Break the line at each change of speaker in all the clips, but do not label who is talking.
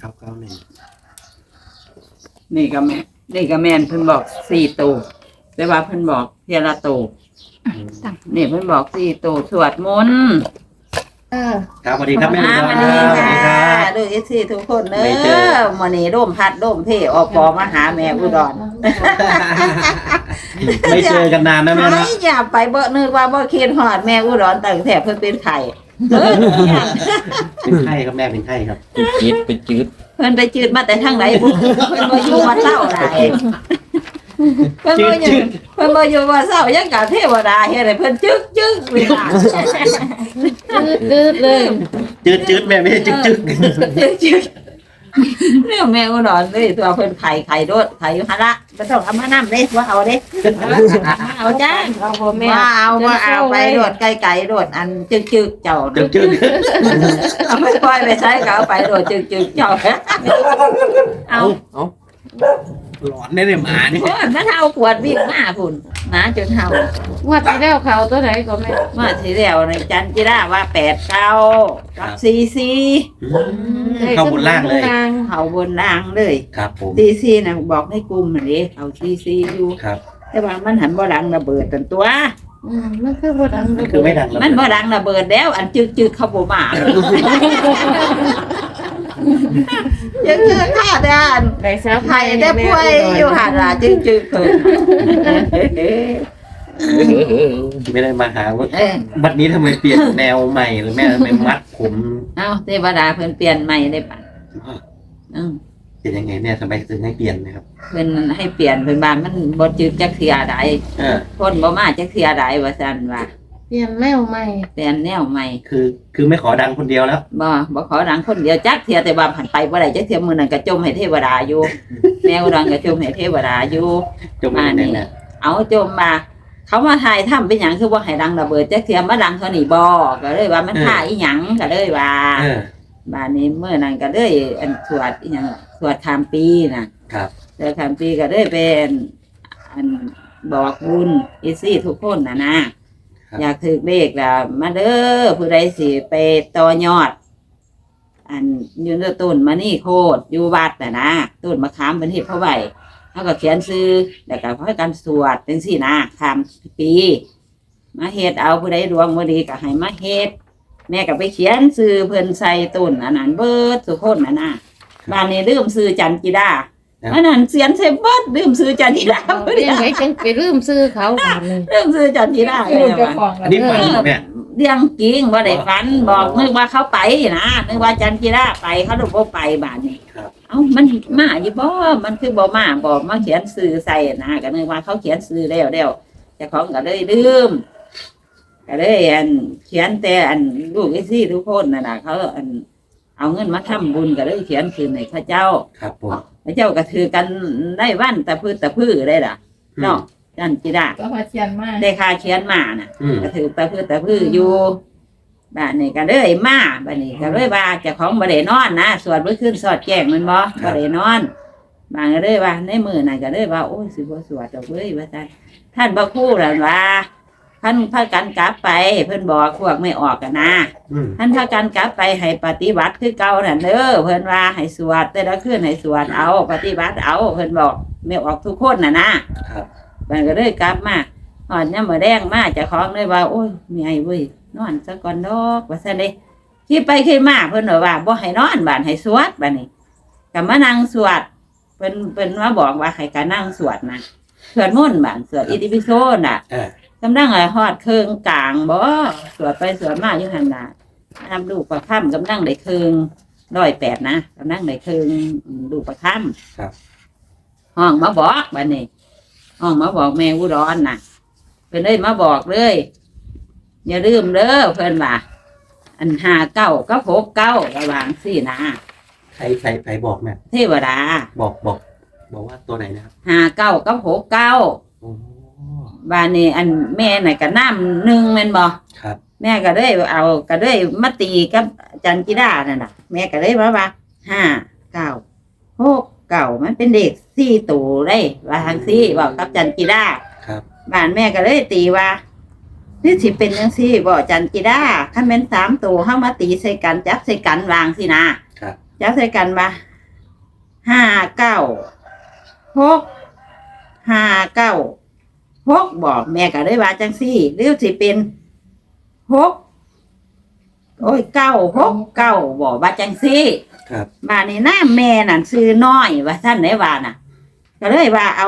991นี่ก็แม่นเพิ่นบอก4ตัวแต่ว่าเพิ่นบอกเทียละตัวนี่เพิ่นบอก4ตัวสวดมนต์
ครับสวัสดีครับแม่
สวัสดีค่ะดูอีซี่ทุกคนเด้อมื้อนี้ร่มพัดร่มเพอปอมาหาแม่อุดร
ไม่เจอกันนานนะแม่นะ
อย่าไปบ่นึกว่าบ่คิดฮอดแม่อุดรตั้งแต่เพิ่นเป็นไข้
เป็นไข้ครับแม่เป็นไข้ครับ
เป็นจืด
เพิ่นไปจืดมาแต่ทางไหนบุเพิ่นบ่อยู่วัดเศร้าได้เพิ่นบ่อยู่วัดเศร้ายังกะเทวดาเฮ็ดให้เพิ่นจึกเวลา
จืดเลย
จืดแม่ไม่ใช่จึ๊ก
จึกเรื่องแม่อุดรเลยตัวเพิ่นไข่โดดไข่อยู่หั่นละบ่ต้องเอามาน้ำเด้ว่าเอาเด้เอาจ้า
เราพ่อแม่
ว่าเอาไปโดดไกลๆโดดอันจึกเจ้า
จึ๊ก
เอาไปปล่อยไปใช้ก็เอาไปโดดจึกเจ้าเอา
หลอนได้เลยหมานี่
โอ้ยมันเอาขวดวิ่งมาพุ่นหมาจนเห่า
ว่าที่แล้วเขาตัวไหนก็แม่
มาทีเดียวในจันจิราว่า89กับ44
เข้าบนล่างเลย
เขาบนล่างเลย
ครับผม
44น่ะบอกให้กลุ่มนั่นดิเอา44อยู่
ครับ
แต่ว่ามันหันบ่ดังระเบิดตันตัว
มันคือบ่ดัง
คือไม่ดังแล้ว
มันบ่ดังระเบิดแล้วอันจึกเขาบ่มายังค่าด้าน
ได้สาว
ไข่ได้ป่วยอยู่หั่นล่ะจึกเพิ่น
ไม่ได้มาหาว่า
เออ
บัดนี้ทำไมเปลี่ยนแนวใหม่หรือแม่ทำไมมัดผม
เอาเทวดาเพิ่นเปลี่ยนใหม่ได้ปะอือ
เปลี่ยนยังไงแม่ทำไมถึงให้เปลี่ยนนะครับ
เพิ่นให้เปลี่ยนเพิ่นว่ามันบ่จึกจักเทื่อใด คนบ่มาจักเทื่อใดว่าซั่นว่า
เปลี่ยนแมวใหม่
เปลี่ยนแนวใหม่
คือไม่ขอดังคนเดียวแล้ว
บ่ขอดังคนเดียวจักเทื่อแต่ว่าผ่านไปบ่ได้จักเทื่อมื้อนั้นก็จมให้เทวดาอยู่ แมวดังก็จมให้เทวดาอยู่
จมไม่ได้แน่
เอาจมมาเขามาถ่ายทำเป็นหยังคือว่าให้ดังระเบิดจักเทื่อมาดังเท่านี้บ่ก็เลยว่ามันท่าอีหยังก็เลยว่าบ้านนี้มื้อนั้นก็เลยอันสวดอีหยังสวดข้ามปีน่ะ
ครับ
สวดข้ามปีก็เลยเป็นอันบอกบุญอีซี่ทุกคนนะอยากถือเลขล่ะมาเด้อผู้ใดสิไปต่อยอด อันอยืนต้นมานี่โคตรอยู่วัดนะต้นมะขามเป็นเห็ดเพราะไหวเขาก็เขียนซื้อแล้วก็ให้การสวดจังซี่นะข้ามปีมาเฮ็ดเอาผู้ใดดวงบ่ดีก็ให้มาเฮ็ดแม่ก็ไปเขียนซื้อเพิ่นใส่ต้นอันนั้นเบิดทุกคนนะบ้านนี้ลืมซื้อจันจิดาอันนั้นเสียนใส่เบิดลืมซื้อจันจิดา
เปลี่ยนไงจังไปลืมซื้อเขาบัดนี้
ลืมซื้อจันจิดาเลยว่า
อันนี้ฝันเหรอแม่
เรื่องจริงว่าได้ฝันบอกนึกว่าเขาไปนะนึกว่าจันจิราไปเขาดูบ่ไปบ้านนี้เอ้ามันมาอยู่บ่มันคือบ่มาบอกมาเขียนซื้อใส่นะก็นึกว่าเขาเขียนซื้อแล้วเจ้าของก็เลยลืมก็เลยอันเขียนแต่อันลูกไอ้ซี่ทุกคนน่ะเขาอันเอาเงินมาทำบุญก็เลยเขียนคืนให้ข้าเจ้า
ครับผม
ข้าเจ้าก็ถือกันได้วันตะพื้ได้ล่ะเนาะจันจิรา
ก็มาเชียนมา
ได้ค่าเขียนมาน่ะ ก็ถือตะพื้อยู่บ้านนี้ก็เลยมาบ้านนี้ก็เลยว่าเจ้าของบ่ได้นอนนะสวดเมื่อคืนสอดแจ้งมันบ่ได้นอนบางก็เลยว่าในมือนั่นก็เลยว่าโอ้ยสิบ่สวดดอกเว้ยว่าซั่นท่านพระครูนั่นว่าท่านพากันกลับไปเพิ่นบอกพวกไม่ออกกันนะท่านพากันกลับไปให้ปฏิบัติคือเก่านั่นเด้อเพิ่นว่าให้สวดแต่ละคืนให้สวดเอาปฏิบัติเอาเพิ่นบอกไม่ออกทุกคนน่ะนะครับมันก็เลยกลับมาหอดเนี่ยมาแดงมาเจ้าของเลยว่าโอ้ยมีไอ้เว้ยนอนซะก่อนดอกว่าซั่นเด้คิดไปคิดมาเพิ่นว่าบ่ให้นอนบ้านให้สวดบัดนี้ก็มานั่งสวดเพิ่นมาบอกว่าให้การนั่งสวดนะสวดมนต์บ้านสวดอิติปิโสน่ะกำลังฮอดเครื่องกลางบ่สวดไปสวดมาอยู่หั่นน่ะนำลูกประค่ำกำลังได้เครื่อง108นะกำลังได้เครื่องลูกประค่ำครับห้องมาบอกบัดนี้ห้องมาบอกแม่อุดรน่ะเพิ่นเลยมาบอกเลยอย่าลืมเด้อเพิ่นว่าอัน59กับ69ระหว่างสี่นะ
ใครบอกแม่
เทวดา
บอกว่าตัวไหนนะครับ
59กับ69
โอ้
บ้านนี้อันแม่น่ะก็น้ำหนึ่งแม่นบ่
ครับ
แม่ก็เลยเอาก็เลยมาตีกับจันจิดานั่นน่ะแม่ก็เลยว่า59 69มันเป็นเด็ก4ตัวเลยว่าทางซี่บอกกับจันจิดา
ครับ
บ้านแม่ก็เลยตีว่านี่สิเป็นจังซี่บ่จันจิดาคันแม่น3ตัวเฮามาตีใส่กันจับใส่กันวางสินะครับ จับใส่กันว่า 59 6บอกแม่ก็เลยว่าจังซี่หรือสิเป็น6โอ้ย969บอกว่าจังซี่
ครับ
บ้านนี้น้าแม่นั่นซื้อน้อยว่าท่านได้ว่าน่ะ ก็เลยว่าเอา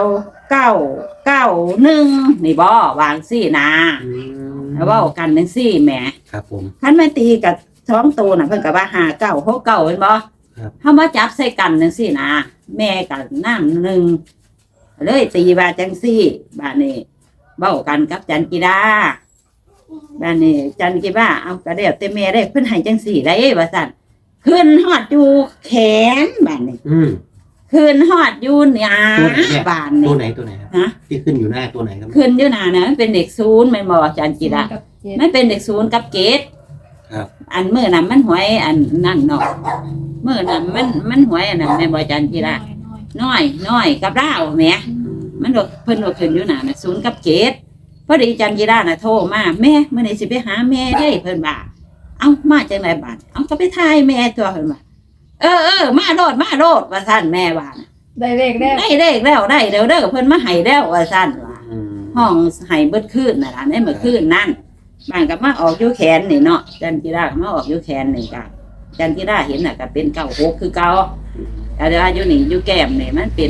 991นี่บ่วางซี่นะ
อืม
แล้วเว้ากันจังซี่แหม
ครับผม
คันไม่ตีกับ2ตัวน่ะเพิ่นก็ว่า5969เห็นบ่
ครับ
เฮามาจับใส่กันจังซี่นะแม่ก็น้ำหนึ่งเลยตีว่าจังซี่บ้านนี้เว้ากันกับจันกีดาบ้านนี้จันกีดาเอาก็แล้วแต่แม่ได้เพิ่นให้จังซี่ได้ว่าซั่นขึ้นฮอดอยู่แขนบ้านนี้
อืม
ขึ้นฮอดอยู่หน้า
ตัวไหนเนี่ย
บ้าน
ตัว
นี้
ไหนตัวไหนครับ
ฮะ
ที่ขึ้นอยู่หน้าตัวไหนครับ
ขึ้นอยู่หน้านะมันเป็นเด็กศูนย์แม่นบ่จันกีดา
กับเจ็ด
มันเป็นเด็กศูนย์กับเกต
ครับ
อันมื้อนั้นมันหวยอันนั่นเนาะมื้อนั้นมันหวยอันนั้นแม่นบ่จันกีดา น้อยกับเราแหม่มันดอกเพิ่นดอกขึ้นอยู่หน้าน่ะศูนย์กับเกตพอดีจันกีดาน่ะโทรมาแม่มื้อนี้สิไปหาแม่ได้เพิ่นว่าเอ้ามาจังไดบัดเอ้าก็ไปทายแม่ตัวเพิ่นว่าเออมาโลดว่าซั่นแม่ว่าน่ะ
ได้เลขแล้ว
ได้เลขแล้วได้แล้วเด้อเพิ่นมาให้แล้วว่าซั่นว่า
อืม
ห้องให้เบิดคืนน่ะล่ะในเมื่อคืนนั่นบ้านก็มาออกอยู่แขนนี่เนาะจันกีดาก็มาออกอยู่แขนนี่ก็จันกีดาเห็นน่ะก็เป็น96คือเก่า แต่ว่าอยู่นี่อยู่แก้มนี่มันเป็น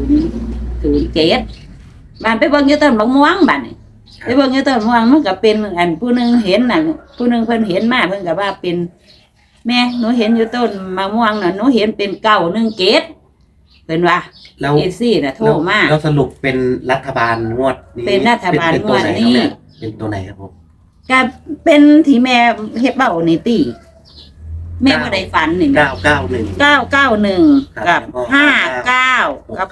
007บ้านไปเบิ่งอยู่ต้นมะม่วงบ้านนี่ไปเบิ่งอยู่ต้นมะม่วงมันก็เป็นอันผู้หนึงเห็นน่ะผู้หนึงเพิ่นเห็นมาเพิ่นก็ว่าเป็น แม่หนูเห็นอยู่ต้นมะม่วงน่ะหนูเห็นเป็น917เพิ่นว่า
แล้ว
เอซี่น่ะโทรมา
แล้วสรุปเป็นรัฐบาลงวดนี้
เป็นรัฐบาล
เป็นตัวไหน
งวดนี้
ครับเนี่ยเป็นตัวไหนครับผม
ก็เป็นที่แม่เฮ็ดเบ้านี่ติแม่บ่ได้ฝันนี่แม่
991
991กับ
ครับ
59กับ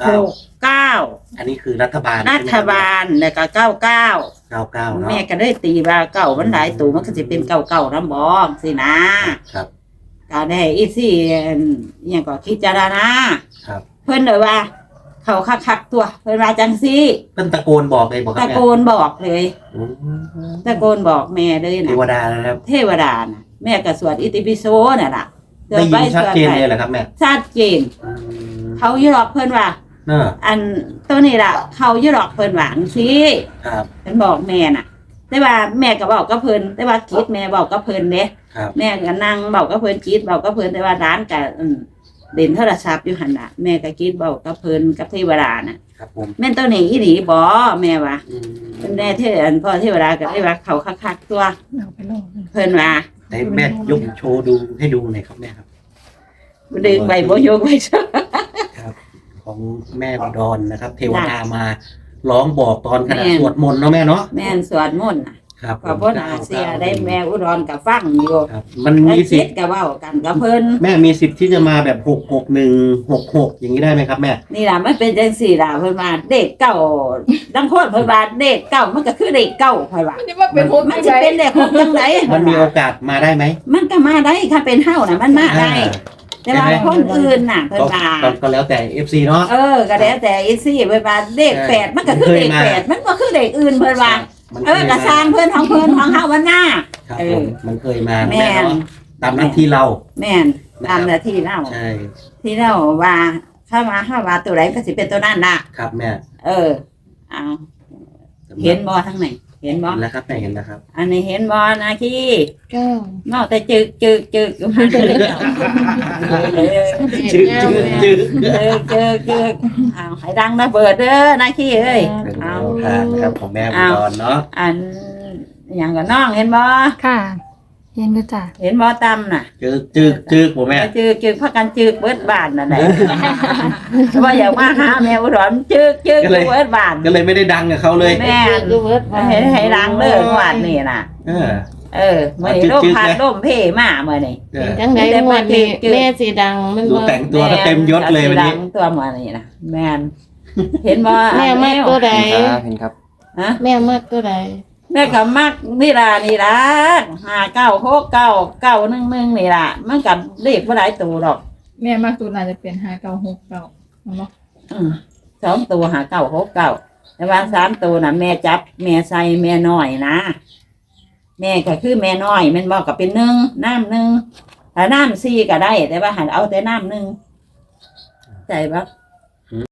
69
อันนี้คือรัฐบาล
รัฐบาลแล้วก็99
99เนาะ
แม่ก็ได้ตีว่าเก่ามันหลายตัวมันก็จะเป็นเก่าๆน้ำบองสินะครับ ก็ได้อีซี่อย่างก็คิดจารณา
ครับ
เพิ่นเลยว่า เขาคักๆตัวเพิ่นว่าจังซี่
เพิ่นตะโกนบอกเลยบอกครั
ตะ
บ
โกนบอกเลย
อืม
ตะโกนบอกแม่เลย
เท
นะ
วดานะครับ
เทวดาน่ะแม่ก็สวดอิติปิโสน่ะล่ะ
ได้ยินชัดเจนเลยเหรอครับแม่
ชัดเจน
อืม
เขาอยู่หรอกเพิ่นว่า
เนอะ
อันตัวนี้ล่ะ เขาอยู่หรอกเพิ่นว่าจังซี่
ครับ
เพิ่นบอกแม่น่ะ แต่ว่าแม่ก็บอกกับเพิ่นแต่ว่าคิดแม่บอกกับเพิ่นเด้
ครับ
แม่ก็นั่งบอกกับเพิ่นคิดบอกกับเพิ่นแต่ว่าร้านก็เล่นโทรศัพท์อยู่หั่นน่ะแม่ก็คิดบอกกับเพิ่นกับเทวดาน่ะ
ครับผม
แม่นตัวนี้อีหลีบ่แม่ว่า
อืม
เพิ่นได้เทอันพ่อเทวดาก็ได้ว่าเขาคักๆตัว
เอาไปลง
เพิ่นว่า
ไหนแม่ยกโชว์ดูให้ดูหน่อยครับแม่ครับ
ดึงใบบ่ยกไว้ซะ
ครับ ของแม่อุดรนะครับ เทวดามาร้องบอกตอนขณะสวดมนต์เนาะแม่เนาะ
แม่นสวดมนต์น่ะ
ครับ
ก็บ่น่าเสียได้แม่อุดรก็ฟังอยู่
ครับ มัน
แล้ว
มีสิ
คิ
ท
ด
ธิ์
ก็เว้ากันกับเพิ่น
แม่มีสิทธิ์ที่จะมาแบบ66166อย่างนี้ได้ไหมครับแม่
นี่ล่ะมันเป็นจังซี่ล่ะเพิ่นว่าเด็กเก่าบางคนเพิ่นว่าเด็กเก่ามันก็คือเด็กเก่าเพิ่นว่า
มันจะมาเป็นหก
มันสิเป็นเด็กของจังได
มันมีโอกาสมาได้ไหม
มันก็มาได้ค่ะเป็นเฮาน่ะมันมาได้ แต่ว่าคนอื่นน่ะเพิ่น
ก็
ว่า
ก็แล้วแต่ FC เนาะ
ก็แล้วแต่อีซี่เพิ่นว่าเด็กแปดมันก็คือเด็กแปดมันบ่คือเด็กอื่นเพิ่นว่า
มัน
ก็สร้างเพิ่นของเพิ่นของเฮาวันหน้า
ครับ
เอ
ผ
อ
มมันเคยมา
แม่
แม่
น
เนาะตามหน้าที่เรา
แม่นตามหน้าที่เรา
ใช่
ที่เราว่าถ้าว่าตัวไหนก็สิเป็นตัวนั้นน่ะ
ครับแม่
เอาเห็นบ่ทั้งไหนเห็นบ่
เห็นแล้วครับแม่เห็นแล้วครับ
อันนี้เห็นบ่นะขี้
เก้าน
อกแต่จึกมาเลย
จึ๊กจึ๊กจึ๊ก
เอาให้ดังระเบิดเด้อนะขี้เอ้ย
เป็นแน
เอา
วทางนะครับของแม่อุดรเนาะ
อันอย่างกับน้องเห็นบ่
ค่ะเห็นด้วยจ้ะ
เห็นบ่ตำน่ะ
จึ๊กผมแม่
จึกพักกันจึกเบิดบ้านน่ะได้ว่าอยากมาหาแมวอุดรจึกเบิดบ้าน
ก็เลยไม่ได้ดังกับเขาเลย
แม่
ดูเวิร์ด
ให้ดังเด้อหวานนี่น่ะ มื้อนี้ลมพัดลมเพมามื้อนี้
เป็นจังไดงวดนี้แม่สีดังมัน
ดู
บ่
แต่งตัวก็เต็มยศเลยวันนี้
ดังตัวมื้อนี้น่ะแม่นเห็นบ่
แม่มากตัวใด
เห็นครับ
ฮะ
แม่มากตัวใด
แม่ก็มักนี่ล่ะ596991นี่ล่ะมันก็เลขบ่หลายตัวดอก
แม่มากตัวน่าจะเป็น5969เนาะ
2ตัว5969แต่ว่า3ตัวน่ะแม่จับแม่ใส่แม่น้อยนะแม่ก็คือแม่น้อยแม่นบ่ก็เป็น1น้ำ1ถ้าน้ำ4ก็ได้ แต่ว่าหันเอาแต่น้ำ1 ใจบ่